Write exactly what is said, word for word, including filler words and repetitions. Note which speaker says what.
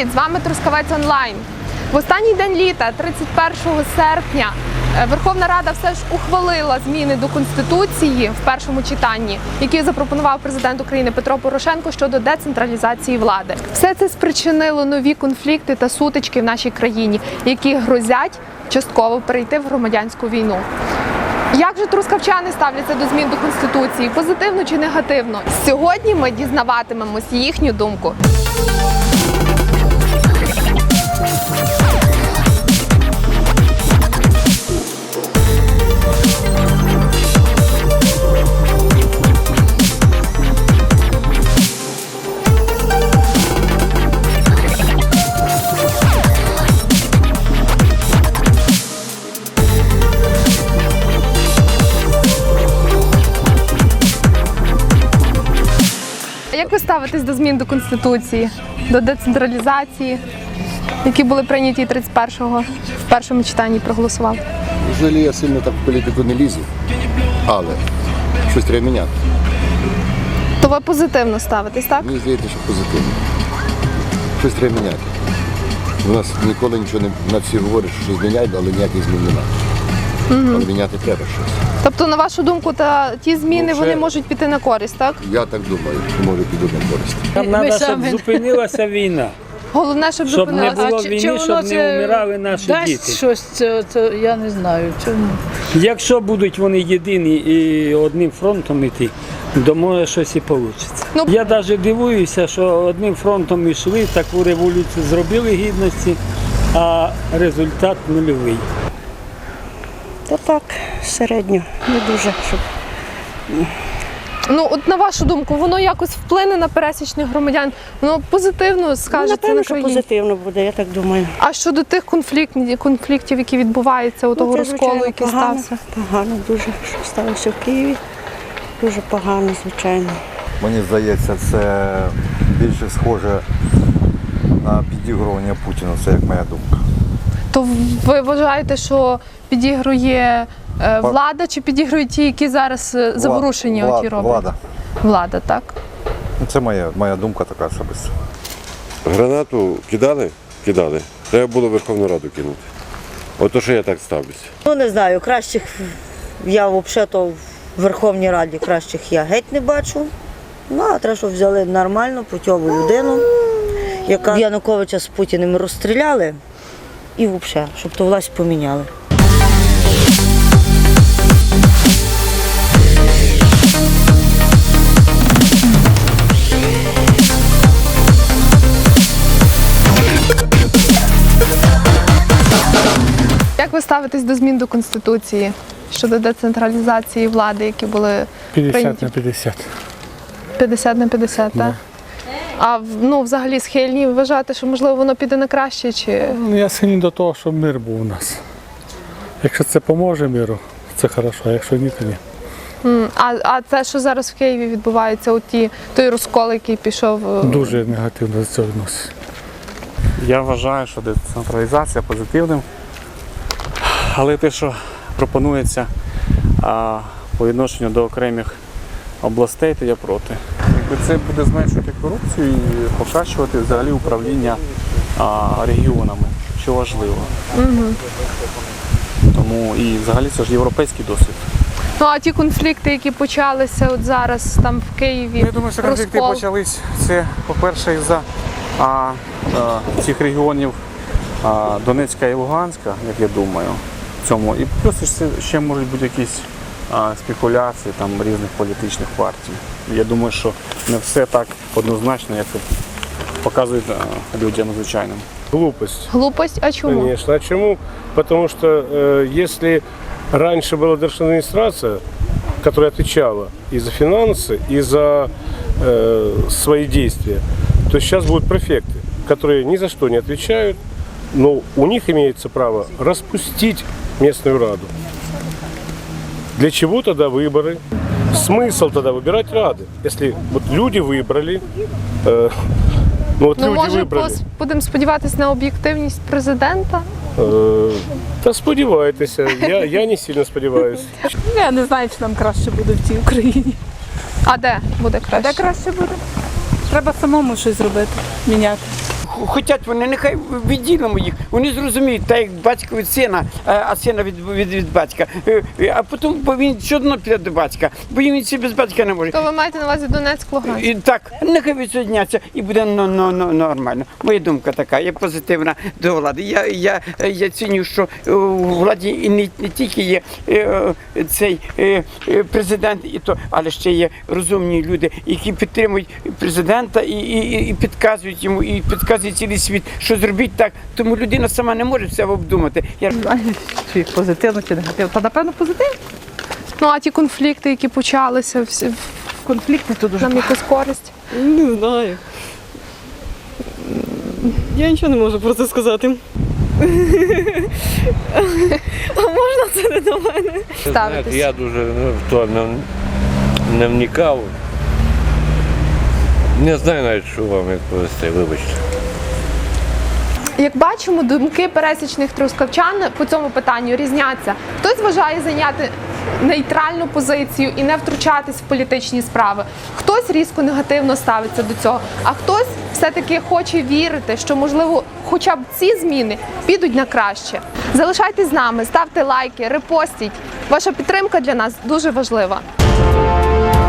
Speaker 1: Привіт! З вами Трускавець онлайн. В останній день літа, тридцять першого серпня, Верховна Рада все ж ухвалила зміни до Конституції в першому читанні, які запропонував президент України Петро Порошенко щодо децентралізації влади. Все це спричинило нові конфлікти та сутички в нашій країні, які грозять частково перейти в громадянську війну. Як же трускавчани ставляться до змін до Конституції, позитивно чи негативно? Сьогодні ми дізнаватимемось їхню думку. Як ви ставитесь до змін до Конституції, до децентралізації, які були прийняті тридцять першого в першому читанні, проголосували?
Speaker 2: Взагалі я сильно так в політику не лізу, але щось треба міняти.
Speaker 1: То ви позитивно ставитесь, так?
Speaker 2: Мені здається, що позитивно. Щось треба міняти. У нас ніколи нічого не, на всі говорять, що щось міняють, але ніяких змін немає. Угу. Але міняти треба щось.
Speaker 1: Тобто, на вашу думку, та ті зміни,
Speaker 2: Ну,
Speaker 1: вони можуть піти на користь, так?
Speaker 2: Я так думаю, що може підуть на користь.
Speaker 3: Нам треба, щоб зупинилася війна.
Speaker 1: Головне, щоб,
Speaker 3: Щоб не
Speaker 1: зупинилася.
Speaker 3: було війни, щоб не вмирали наші
Speaker 4: дасть
Speaker 3: діти.
Speaker 4: щось, це, це, я не знаю. Чому.
Speaker 3: Якщо будуть вони єдині і одним фронтом йти, то може щось і вийде.
Speaker 1: Ну,
Speaker 3: Я навіть дивуюся, що одним фронтом йшли, таку революцію зробили гідності, а результат нульовий.
Speaker 5: Та так, середньо, не дуже, щоб...
Speaker 1: Ну, от на вашу думку, воно якось вплине на пересічних громадян? Воно позитивно скажеться
Speaker 5: Напевно,
Speaker 1: на
Speaker 5: що
Speaker 1: країні?
Speaker 5: позитивно буде, я так думаю.
Speaker 1: А щодо тих конфліктів, конфліктів які відбуваються, у того
Speaker 5: це,
Speaker 1: розколу,
Speaker 5: звичайно,
Speaker 1: який
Speaker 5: погано,
Speaker 1: стався?
Speaker 5: Погано дуже, що сталося в Києві. Дуже погано, звичайно.
Speaker 6: Мені здається, це більше схоже на підігрування Путіну, це як моя думка.
Speaker 1: То ви вважаєте, що підігрує е, влада, чи підігрують ті, які зараз е, заворушені
Speaker 6: Влад,
Speaker 1: оті роблять?
Speaker 6: Влада.
Speaker 1: Влада, так?
Speaker 6: Це моя, моя думка така особиста.
Speaker 7: Гранату кидали? Кидали. Треба було Верховну Раду кинути. Ото що я так ставлюся.
Speaker 8: Ну не знаю, кращих я взагалі-то в Верховній Раді кращих я геть не бачу. Ну, а треба, щоб взяли нормальну, путьову людину, яка Януковича з Путіним розстріляли і взагалі, щоб ту власть поміняли.
Speaker 1: Як ви ставитесь до змін до Конституції щодо децентралізації влади, які були
Speaker 9: п'ятдесят
Speaker 1: прийняті?
Speaker 9: на п'ятдесят.
Speaker 1: п'ятдесят на п'ятдесят, так? А ну, взагалі схильні вважати, що можливо воно піде на краще, чи...
Speaker 9: Ну, я схильний до того, щоб мир був у нас. Якщо це поможе миру, це хорошо, а якщо ні, то ні.
Speaker 1: М, А, а те, що зараз в Києві відбувається, от ті, той розкол, який пішов... е,
Speaker 9: Дуже негативно до цього відноситься.
Speaker 10: Я вважаю, що децентралізація позитивним, але те, що пропонується а, по відношенню до окремих областей, то я проти. Якби це буде зменшувати корупцію і покращувати взагалі управління а, регіонами, що важливо.
Speaker 1: Угу.
Speaker 10: Тому і взагалі це ж європейський досвід.
Speaker 1: Ну, а ті конфлікти, які почалися от зараз там в Києві,
Speaker 10: Я думаю, що конфлікти
Speaker 1: розкол...
Speaker 10: почались, це, по-перше, із-за а, а, цих регіонів а, Донецька і Луганська, як я думаю, в цьому. І плюс ще, ще можуть бути якісь а, спекуляції там, різних політичних партій. Я думаю, що не все так однозначно, як це показують а, людям звичайним.
Speaker 11: Глупость.
Speaker 1: Глупость? А чому?
Speaker 11: Конечно. А чему? Потому что э, если раньше была держадминистрация, которая отвечала и за финансы, и за э, свои действия, то сейчас будут префекты, которые ни за что не отвечают, но у них имеется право распустить местную раду. Для чего тогда выборы? Смысл тогда выбирать рады? Если вот люди выбрали, э, ну от
Speaker 1: Ну,
Speaker 11: люди
Speaker 1: може,
Speaker 11: вибрали.
Speaker 1: пос- будемо сподіватися на об'єктивність президента?
Speaker 11: Е, Та сподівайтеся, я, я не сильно сподіваюся.
Speaker 4: Я не знаю, чи нам краще буде в цій Україні.
Speaker 1: А де буде краще?
Speaker 4: Де краще буде? Треба самому щось зробити, міняти.
Speaker 12: хочуть вони, нехай відділимо їх. Вони зрозуміють, так як батько від сина, а сина від, від, від батька. А потім, бо він все одно піде до батька, бо він ще без батька не може.
Speaker 1: То ви маєте на увазі Донецьк, Луганськ?
Speaker 12: І так, нехай відсоединяться і буде ну, ну, ну, нормально. Моя думка така, я позитивна до влади. Я, я, я ціню, що у владі і не, не тільки є е, цей е, президент, і то, але ще є розумні люди, які підтримують президента і, і, і підказують йому, і підказують цілий світ, що зробіть так. Тому людина сама не може все обдумати. Я...
Speaker 4: Чи позитивно, чи негативно? Та напевно позитивно.
Speaker 1: Ну а ті конфлікти, які почалися, всі
Speaker 4: Конфлікти тут дуже
Speaker 1: нам якусь користь?
Speaker 13: Не знаю. Я нічого не можу про це сказати. А можна це не до мене?
Speaker 1: Ставитись?
Speaker 14: Я дуже в то не, не вникав. Не знаю навіть, що вам відповісти, вибачте.
Speaker 1: Як бачимо, думки пересічних трускавчан по цьому питанню різняться. Хтось вважає зайняти нейтральну позицію і не втручатись в політичні справи. Хтось різко негативно ставиться до цього, а хтось все-таки хоче вірити, що, можливо, хоча б ці зміни підуть на краще. Залишайтесь з нами, ставте лайки, репостіть. Ваша підтримка для нас дуже важлива.